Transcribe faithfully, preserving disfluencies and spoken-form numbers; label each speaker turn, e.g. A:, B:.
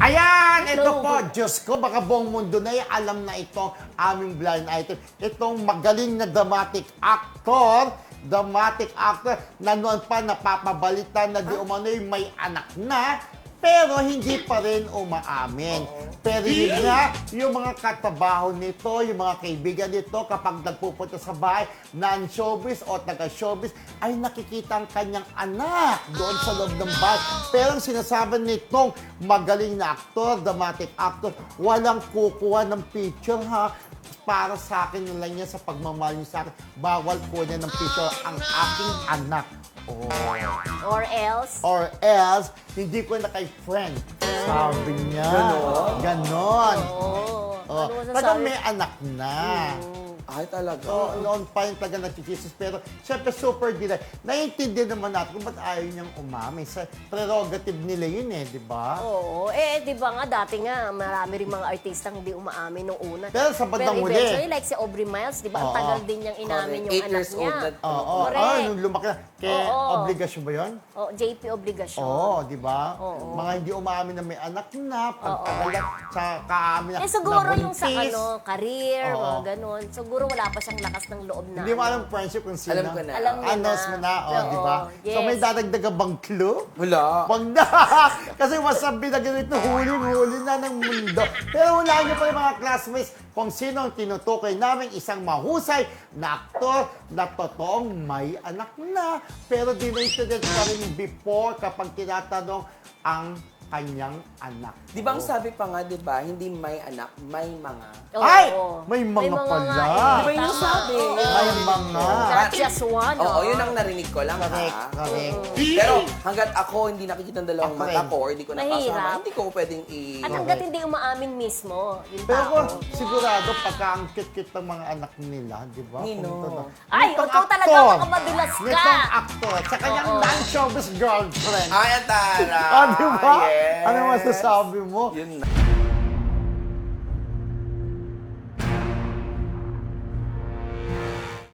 A: Ayan, ito
B: Hello.
A: po, Diyos ko, baka buong mundo na ay alam na ito, aming blind item. Itong magaling na dramatic actor, dramatic actor, na noon pa napapabalita na di umano'y may anak na, pero hindi pa rin umaamin. Pero yun nga, yung mga katabaho nito, yung mga kaibigan nito, kapag nagpupunta sa bahay, non-showbiz o taga-showbiz, ay nakikita ang kanyang anak doon sa loob ng bahay. Pero ang sinasabi nitong magaling na aktor, dramatic actor, walang kukuha ng picture ha. Para sa akin yun lang yan sa pagmamahal niya sa akin, bawal ko niya ng picture ang aking anak. Oh.
B: Or else,
A: Or else, hindi ko na kay friend. Sabi niya.
C: Ganon?
A: Ganon.
B: oo.
A: Oh.
B: Ano masasabi?
A: Talagang may anak na.
C: Ay, talaga.
A: So, noon pa yung taga nagchichisis. Pero, syempre, super delay. Naiintindihan naman natin kung ba't ayaw niyang umami. Sa prerogative nila yun eh, di ba?
B: Oo. Eh, di ba nga, dati nga, marami rin mga artistang hindi umaamin nung una.
A: Pero sa bandang
B: Pero
A: huli.
B: eventually, like si Aubrey Miles, di ba, ang
A: Oo.
B: tagal din niyang inamin
C: Correct.
B: yung
C: Eight
B: anak
C: years
B: niya.
C: old na-
A: Oo. Oh,
B: Correct.
A: nung lumaki na. Kaya,
B: Oo.
A: obligasyon ba yun?
B: Oh, J P Obligasyon.
A: Oo, di ba?
B: Oo.
A: Mga hindi umaamin na may anak na, pagkakalat, sa kaamin na
B: Eh, siguro yung sa
A: nabuntis.
B: ano, career,
A: Oo.
B: mga ganun. Siguro wala pa siyang lakas ng loob na.
A: Hindi mo
B: ano.
A: alam friendship kung sino.
C: Alam ko na.
B: Alam niya
A: Announce mo na, oh,
B: Oo,
A: di ba? So
B: yes.
A: may dadagdagan bang clue?
C: Wala.
A: Wag na! Kasi masabi na ganito, huli-huli na ng mundo. Pero wala niyo pa yung mga classmates kung sino ang tinutukoy namin isang mahusay na aktor na totoong may anak na. Pero dinated pa rin before kapag tinatanong ang kanyang anak.
C: Di ba ang sabi pa nga, di ba, hindi may anak, may mga.
B: Oo.
A: Ay! May mga pala.
B: nga, eh.
C: Di ba yung
B: Tama.
C: sabi?
B: Oo.
A: May mga.
B: Not just one.
C: Oo,
B: oh.
C: yun ang narinig ko lang,
A: Correct,
C: ha?
A: correct.
C: Pero hanggat ako hindi nakikita ang dalawang
A: Ako
C: mata
A: rin.
C: ko or hindi ko nakasama,
B: Mahirap.
C: hindi ko pwedeng i...
B: At hanggat hindi umaamin mismo, yung
A: Pero
B: tao.
A: kung sigurado, pagka ang cute-cute ng mga anak nila, di ba?
C: Nino.
A: Kung ito-
B: Ay,
A: Nitong
B: ikaw talaga,
A: aktor.
B: makamadulas ka.
A: Nitong aktor, sa kanyang
B: Oo.
A: non-showbiz girlfriend.
C: Ay, ang tara!
A: Ah, di ba?
C: Yes.
A: Ano masasabi mo?
C: Yun na.